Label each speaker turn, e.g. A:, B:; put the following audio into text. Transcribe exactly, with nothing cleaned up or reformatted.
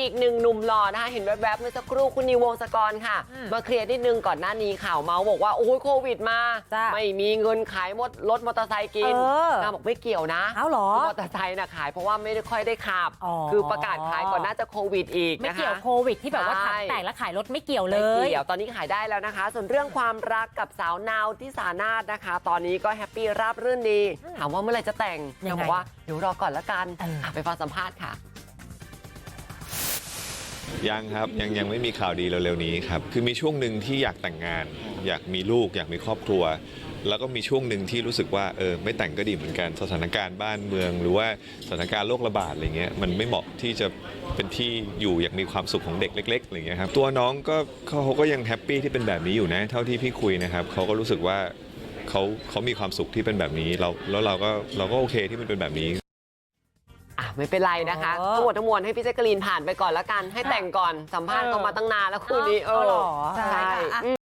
A: อีกหนึ่งหนุ่มหล่อนะคะเห็นแวบๆเมื่อสักครู่คุณนิววงศกรค่ะมาเคลียร์นิดนึงก่อนหน้านี้ข่าวเมาส์บอกว่าโอ้ยโควิดมาไม่มีเงินขายมดรถมอเตอร์ไซค์กินนางบอกไม่เกี่ยวนะ
B: เอาหรอ
A: มอเตอร์ไซค์น่ะขายเพราะว่าไม่ได้ค่อยได้ขับคือประกาศขายก่อนน่าจะโควิดอีกนะคะ
B: ไม่เกี่ยวโควิดที่แบบว่าถังแตกแล้วขายรถไม่เกี่ยวเลย
A: ไม่เกี่ยวตอนนี้ขายได้แล้วนะคะส่วนเรื่องความรักกับสาวนาวที่สานาถนะคะตอนนี้ก็แฮปปี้ราบรื่นดีถามว่าเมื่อไหร่จะแต่งนางบอกว่าเดี๋ยวรอก่อนละกันไปฟังสัมภาษณ์ค่ะ
C: ยังครับยังยังไม่มีข่าวดีเร็วๆนี้ครับคือมีช่วงหนึ่งที่อยากแต่งงานอยากมีลูกอยากมีครอบครัวแล้วก็มีช่วงหนึ่งที่รู้สึกว่าเออไม่แต่งก็ดีเหมือนกันสถานการณ์บ้านเมืองหรือว่าสถานการณ์โรคระบาดอะไรเงี้ยมันไม่เหมาะที่จะเป็นที่อยู่อย่างมีความสุขของเด็กเล็กๆอะไรเงี้ยครับตัวน้องก็เขาก็ยังแฮปปี้ที่เป็นแบบนี้อยู่นะเท่าที่พี่คุยนะครับเขาก็รู้สึกว่าเขาเขามีความสุขที่เป็นแบบนี้เราแล้วเราก็เราก็โอเคที่มันเป็นแบบนี้
A: ไม่เป็นไรนะคะทั้งหมดทั้งมวลให้พี่แจ๊กกะลีนผ่านไปก่อนแล้วกันให้แต่งก่อนสัมภาษณ์ก็มาตั้งนานแล้วคู่นี้เออ
B: ใช่